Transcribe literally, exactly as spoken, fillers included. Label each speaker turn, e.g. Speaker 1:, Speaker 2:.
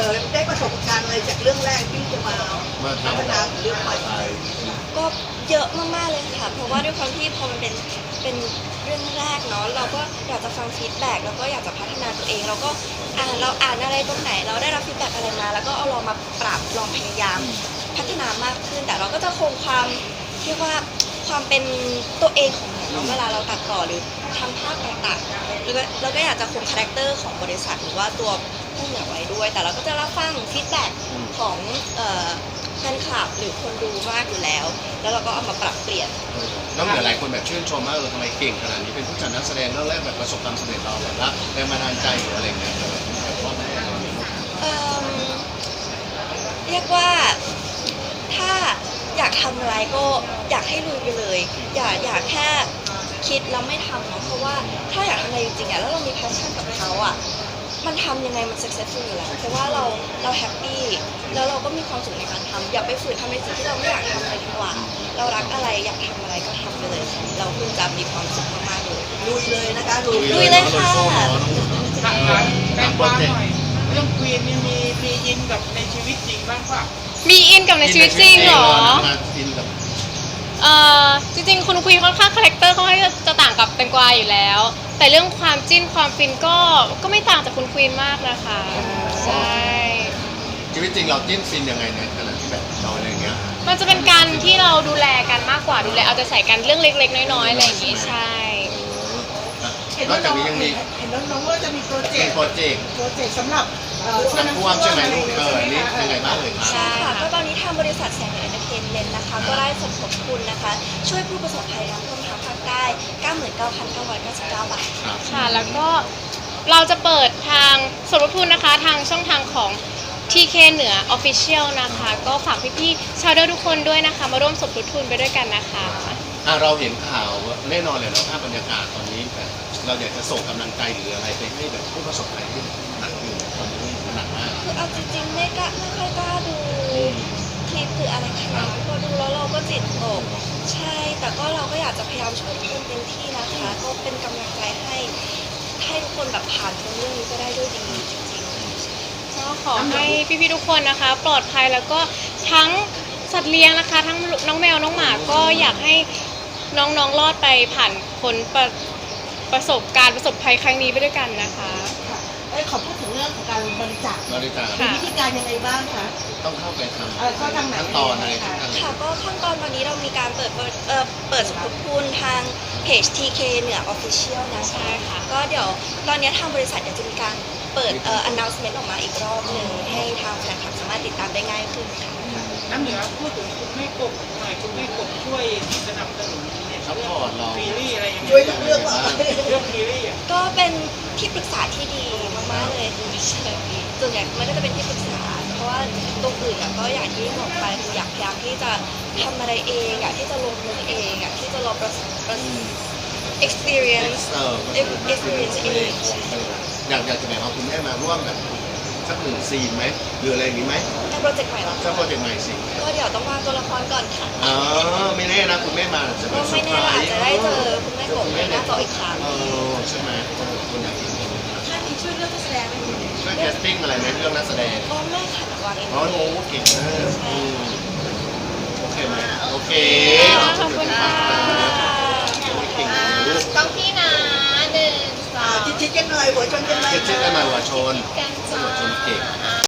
Speaker 1: อได้ประสบการณ์อะไรจากเรื่องแรกที่จะมาพัฒนาเรื่องใหม่
Speaker 2: ก็เยอะมากๆเลยค่ะเพราะว่าด้วยความที่พอมันเป็นเป็นเรื่องแรกเนาะเราก็อยากจะฟังฟีดแบ็กแล้วก็อยากจะพัฒนาตัวเองเราก็อ่านเราอ่านอะไรตรงไหนเราได้รับฟีดแบ็กอะไรมาแล้วก็เอาลองมาปรับลองพยายามพัฒนามากขึ้นแต่เราก็จะคงความเรียกว่าความเป็นตัวเองของเราเวลาเราตัดต่อหรือทำภาพต่างๆแล้วก็เราก็อยากจะคงคาแรคเตอร์ของบริษัทหรือว่าตัวผู้เหนือไว้ด้วยแต่เราก็จะรับฟังฟีดแบ็กของเอ่อแฟนคลับหรือคนดูมากอยู่แล้ว แล้วเราก็เอามาปรับเปลี่ยน
Speaker 3: น้องเหนือหลายคนแบบชื่นชมมากเลยทำไมเก่งขนาดนี้เป็นผู้จัดนักแสดงเรื่องแรกแบบประสบความสำเร็จเราแบบว่าแรงบันดาลใจหรืออะไรเงี้ยแบบว่า
Speaker 2: เอิ่มเรียกว่าถ้าอยากทำอะไรก็อยากให้ลุยไปเลย อย่าอย่าแค่คิดแล้วไม่ทำเนาะเพราะว่าถ้าอยากทำอะไรจริงๆอะแล้วเรามี passion กับเขาอะมันทำยังไงมัน successful อยู่แล้วเพราะว่าเราเราแฮปปี้แล้วเราก็มีความสุขในการทำอย่าไปฝืนทำในสิ่งที่เราไม่อยากทำเลยดีกว่า เรารักอะไรอยากทำอะไรก็ทำไปเลย เราคุณจะมีความสุขมากๆเลย
Speaker 1: ลุยเลยนะคะลุย
Speaker 2: ลุยเลยค่ะ
Speaker 4: ถามถามแฟนฟ้าหน่อยเรื่องควีนนี่มีมีอินกับในชีวิตจริงบ้างป่ะ
Speaker 5: มีอินกับในชีวิตจริงเหรอ
Speaker 3: อินกับ
Speaker 5: เอ่อจริงๆคุณควีนค่อนข้างคาแรคเตอร์เขาให้จะต่างกับแตงกวาอยู่แล้ว แต่เรื่องความจิ้นความฟินก็ก็ไม่ต่างจากคุณควีนมากนะคะใช่
Speaker 3: ชีวิตจริงเราจิ้นฟินยังไงเนี่ยขนาดที่แบบเราอะไรเงี้ย
Speaker 5: มันจะเป็นการที่เราดูแลกันมากกว่าดูแลเอาใจใส่กันเรื่องเล็กๆน้อยๆอะไรอย่างงี้ใช่
Speaker 1: เห็น
Speaker 3: นอ
Speaker 1: ว่าก
Speaker 3: จาก
Speaker 1: น้อง
Speaker 3: นี้ยังมี
Speaker 1: เห็นน้องๆว่าจะมีโปรเจ
Speaker 3: เป็
Speaker 1: ก
Speaker 3: น
Speaker 1: ต์
Speaker 3: โปรเจกต์
Speaker 1: โปรเจกต์สำหรับเอ่อช่วย
Speaker 3: น้ำ
Speaker 1: น้ำ
Speaker 3: ท่วมใช่ไหมลูกเออนี่ยังไงบ้างเลยครับ
Speaker 2: ใช่ค่ะก็ตอนนี้ทางบริษัทแสงเหนือเอนเตอร์เทนเมนต์นะคะก็ได้สมทบทุนนะคะ ช่วยผู้ประสบภัยน้ำท่วมทางภาคใต้ เก้าหมื่นเก้าพันเก้าร้อยเก้าสิบเก้า บาท
Speaker 3: ครับ
Speaker 5: ค่ะแล้วก็เราจะเปิดทางสมทบทุนนะคะทางช่องทางของ ที เค เหนือ Official นะคะ ก็ฝากพี่ๆชาวเดอร์ทุกคนด้วยนะคะมาร่วมสมทบทุนไปด้วยกันนะคะ
Speaker 3: อ่ะเราเห็นข่าวแน่นอนเลยเราภาพบรรยากาศตอนนี้แบบเราอยากจะส่งกำลังใจหรืออะไรไปให้แบบผู้ประสบภัยที่หนักอยู่ตอนนี้หนักมาก
Speaker 2: คือเอาจริงๆไม่กล้าไม่ค่อยกล้าดูคลิปหรืออะไรขนาดนั้นพอดูแล้วเราก็จิตตกใช่แต่ก็เราก็อยากจะพยายามช่วยทุกคนเต็มที่นะคะ ก็เป็นกำลังใจให้ให้ทุกคนแบบผ่านพ้นเรื่องนี้ก็ได้ด้วยดีจริงๆ
Speaker 5: ก็ขอให้พี่ๆทุกคนนะคะ ปลอดภัยแล้วก็ทั้งสัตว์เลี้ยงนะคะ ทั้งน้องแมวน้องหมาก็อยากให้น้องๆรอดไปผ่านพ้นประประสบการณ์ประสบภัยครั้งนี้ไปด้วยกันนะคะ
Speaker 1: เอ้ยขอพูดถึงเรื่องของการบริจาค
Speaker 3: บริจาค
Speaker 1: มีวิธีการยังไงบ้างคะ
Speaker 3: ต้องเข้าไปทำ
Speaker 1: เอ่อเข้าทางไหน
Speaker 3: ขั้นตอนอะไรขั้นตอนไหน
Speaker 2: ค่ะก็ขั้นตอนตอนนี้เรามีการเปิดเปิดเอ่อเปิดสมทบทุนทางเพจ ที เค เหนือ Official นะคะ
Speaker 5: ใช่ค่ะ
Speaker 2: ก็เดี๋ยวตอนนี้ทางบริษัทเดี๋ยวจะมีการเปิดเอ่อ announcement ออกมาอีกรอบหนึ่งให้ทางแฟนคลับสามารถติดตามได้ง่ายขึ้นค่ะ
Speaker 4: น้ำเหนือพูดถึงคุณแม่กบหน่อยคุณแม่กบช่วยสนับสนุนเนี่ย
Speaker 3: ซัพพอร์ตเรา
Speaker 4: ซีรีส์อะไรอย่างเงี้ย
Speaker 1: ช่วยทุกเรื่องว่า
Speaker 4: เรื่องซีรีส์อ่ะ
Speaker 2: ก็เป็นที่ปรึกษาที่ดีมากๆเลยคือใช่ส่วนใหญ่มันก็จะเป็นที่ปรึกษา เพราะว่าตรงอื่นอะก็อย่างที่บอกไปคืออยากพยายามที่จะทำอะไรเองอยากที่จะลงมือเองอยากที่จะลองประสบประสบ experience
Speaker 3: เออ
Speaker 2: experience เอง
Speaker 3: อยากอยากจะแบบเอาคุณแม่มาร่วมแบบสักหนึ่งซีนไหมหรืออะไรอย่างนี้ไหม
Speaker 2: ในโปรเจกต์ใหม่เหรอ
Speaker 3: ถ้าโปรเจกต์ใหม่สิ
Speaker 2: ก็เดี๋ยวต้องวางตัวละครก่อนค่ะ
Speaker 3: อ๋อไม่แน่นะคุณแม่มาจะเป็
Speaker 2: ก็
Speaker 3: นเซอ
Speaker 2: ไม่
Speaker 3: ร์ไพ
Speaker 2: แน่
Speaker 3: ร
Speaker 2: เราอาจ
Speaker 3: ส์
Speaker 2: จะได้เจอคุณแม่กบในหน้าจออีกครั้ง
Speaker 3: เออใช่ไหมคุณอยากเห็น
Speaker 1: ท่านนี้ช่วยเรื่องนักแสดงไหม
Speaker 3: ช่วยแคสติ้งอะไรไหมเรื่องนักแสดง
Speaker 2: ก็ไม่ค่ะวางเอง
Speaker 3: อ๋อโอ้เก่งมากอืมโอเคไหมโอเค
Speaker 5: ขอบคุณค่ะ
Speaker 3: เก่งนะลูก
Speaker 5: ต้องพี่นะหนึ่งสอ
Speaker 1: อ่าง ชิดๆกันหน่อยหัวชนกันไหม
Speaker 3: เชื่อกันมาหัวชน
Speaker 5: กันจ้า
Speaker 3: หัวชนเก่ง